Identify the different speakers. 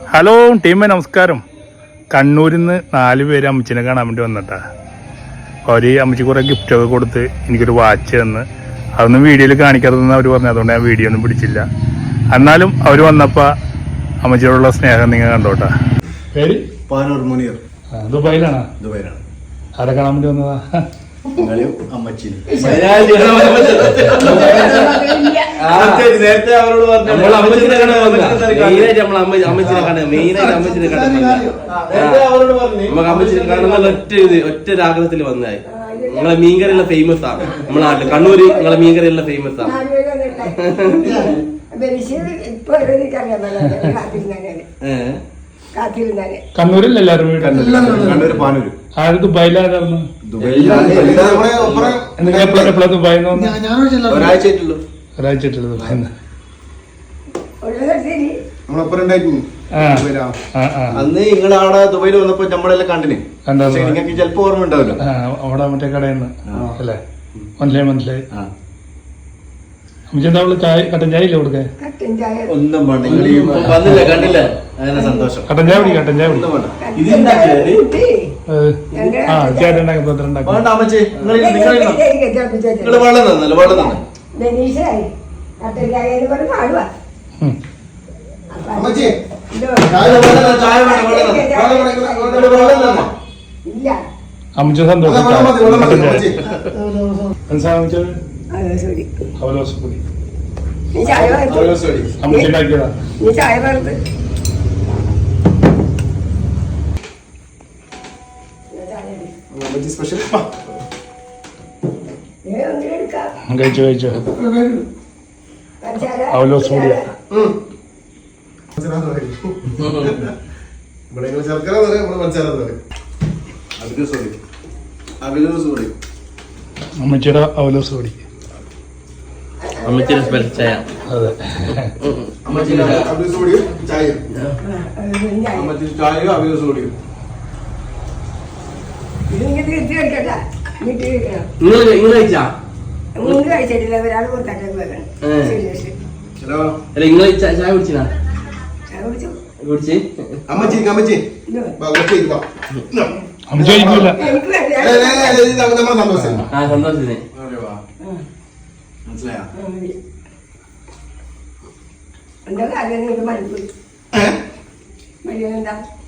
Speaker 1: Hello ടീമേ, നമസ്കാരം. കണ്ണൂരിൽ നിന്ന് 4 പേര് അമ്മച്ചിനെ കാണാൻ വേണ്ടി വന്നിട്ടാ. അവർ അമ്മച്ചി കുറേ ഗിഫ്റ്റൊക്കെ കൊടുത്ത് എനിക്കൊരു വാച്ച് തന്ന്. അതൊന്നും വീഡിയോയിൽ കാണിക്കാത്തതെന്ന് അവർ പറഞ്ഞു. അതുകൊണ്ട് ഞാൻ വീഡിയോ ഒന്നും പിടിച്ചില്ല. എന്നാലും അവർ വന്നപ്പോൾ അമ്മച്ചിയോടുള്ള സ്നേഹം നിങ്ങൾ കണ്ടോട്ടാ. പേര്
Speaker 2: പാനൂർ മുനീർ.
Speaker 1: ദുബായിലാണോ?
Speaker 2: ദുബായിലാണ്.
Speaker 1: ആരെ കാണാൻ വേണ്ടി വന്നതാ?
Speaker 2: നേരത്തെ അവരോട്
Speaker 3: ഒറ്റ രാഗത്തിൽ വന്നായി. നിങ്ങളെ മീൻകറിയുള്ള ഫേമസ് ആണ് നമ്മളെ നാട്ടിൽ. കണ്ണൂര് നിങ്ങളെ മീൻകറിയുള്ള ഫേമസ് ആണ്.
Speaker 1: കണ്ണൂരിൽ എല്ലാവരും
Speaker 2: കണ്ണൂർ പാനൂര്.
Speaker 1: ആര് ദുബായിലായിരുന്നു? എപ്പോഴാ ദുബായിന്ന് വന്നു?
Speaker 2: ഒരാഴ്ചയായിട്ടുള്ളൂ.
Speaker 1: ഒരാഴ്ചയായിട്ടുള്ളൂ ദുബായിന്ന്.
Speaker 2: അന്ന് നിങ്ങളവിടെ ദുബായിൽ വന്നപ്പോ നമ്മളെല്ലാം കണ്ടിന്. നിങ്ങൾക്ക് ചിലപ്പോ ഓർമ്മ ഉണ്ടാവില്ല.
Speaker 1: അവിടെ മറ്റേ കടയിൽ നിന്ന് അല്ലേ? മനസ്സിലായി. അമ്മച്ചെന്താ ചായ, കട്ടൻ ചായ ഇല്ല കൊടുക്കാൻ?
Speaker 2: ഒന്നും വേണ്ട. വന്നില്ല, കണ്ടില്ല. അങ്ങനെ സന്തോഷം.
Speaker 1: കട്ടൻ ചായ കുടി. ചേട്ടൻ
Speaker 2: വേണ്ട അമ്മച്ചി, നിങ്ങൾ വെള്ളം തന്നല്ലോ. വെള്ളം തന്നെ അമ്മച്ചി.
Speaker 1: അമ്മച്ച സന്തോഷം. അമ്മച്ചി ഉണ്ടാക്കിയതാ. കഴിച്ചോ. അവലോസ് കൂടിയാ. അമ്മച്ചിയുടെ അവലോസ് കൂടി.
Speaker 3: അമ്മച്ചിയുടെ സ്പെഷ്യൽ ചായ.
Speaker 1: അതെ,
Speaker 2: ചായയോ അവലോസ് കൂടിയും.
Speaker 3: കഴിച്ചിട്ടില്ല. ഒരാൾ ചായ കുടിച്ചാ കുടിച്ച്
Speaker 2: അമ്മച്ചി
Speaker 1: അമ്മച്ചി
Speaker 3: സന്തോഷത്തിന്
Speaker 2: മനസ്സിലായോ?
Speaker 4: എന്താ കാര്യം?